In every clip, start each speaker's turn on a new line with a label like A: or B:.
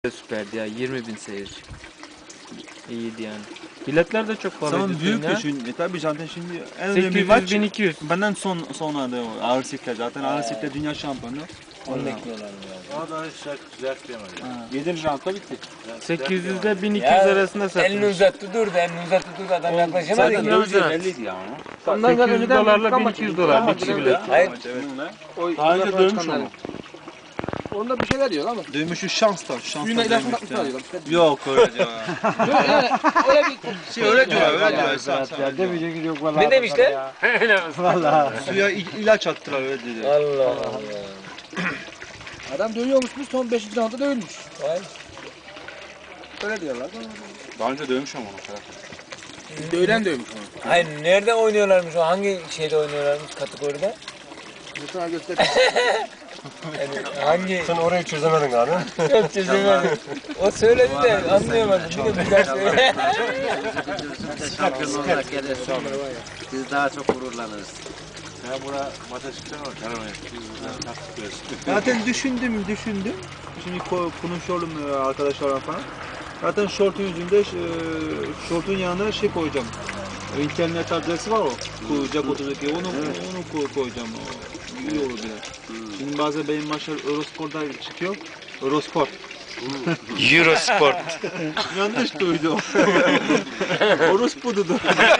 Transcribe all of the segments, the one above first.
A: Süperdi ya, 20.000 seyirci. İyiydi yani. Biletler de çok pahalıydı.
B: Zaman büyük
A: ya.
B: düşün. Tabii zaten şimdi en önemli maç
A: 800-1200.
B: benden sonra da ağır siklet. Zaten ağır siklet dünya şampiyonu.
C: Onu bekliyorlar ya.
D: Ama daha hiç düzelt diyemedi.
B: 7. roundda bitti.
A: 800 ile 1200
C: Ya,
A: arasında
C: Elini
A: satılmış.
C: uzattı durdu, adam yaklaşamadı
A: zaten
C: ki.
A: öyle.
D: 50'ydi ya onu.
A: 800 dolarla 1200 dolar bir kişi bilet.
C: Hayır,
D: Daha önce dövmüş onu.
E: Onda bir şeyler diyor ama.
B: Dövmüşü şanstan.
E: Suyuna ilaç mı atmışlar diyorlar.
B: Yok öyle diyor.
E: Yani öyle bir
B: Öyle diyor öyle diyor.
F: Demeyecek yok vallahi.
C: ne demişler?
B: Suya ilaç attılar öyle dedi.
C: Allah Allah.
E: adam dövüyormuşmuş son 5. roundda dövülmüş.
C: Vay.
E: Öyle diyorlar.
D: Daha önce dövmüş ama onu.
E: Dövülen dövmüş onu.
C: Hayır, nerede oynuyorlarmış o? Hangi şeyde oynuyorlarmış kategoride?
E: Sana göster.
C: Yani hangi?
F: Sen orayı çözemedin abi.
C: Yok çözemedim. O söyledi de anlayamadım. Bir daha söyle.
G: Şampiyon olarak gelirsin. Biz daha çok gururlanırız.
D: Sen buna maça çıkacaksın ama karamayız. Biz buradan taktik veririz.
B: Zaten düşündüm. Şimdi konuşuyorum arkadaşlarla falan. Zaten şortun yüzünde şortun yanına şey koyacağım. İnternet adresi var o. Kucak oturdaki onu koyacağım. İyi olur bile. Şimdi bazen benim maçlar Eurosport'da çıkıyor. Eurosport.
A: Eurosport.
B: Yanlış duydum. Orospu'du.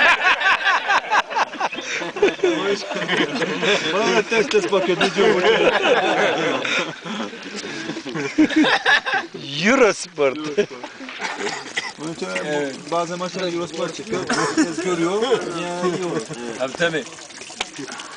B: Bana da ters bakıyor. Ne diyor?
A: Eurosport.
B: Onun için bazen maçlar Eurosport çıkıyor. Herkes görüyor. Yani iyi olur.
C: Tabii tabii.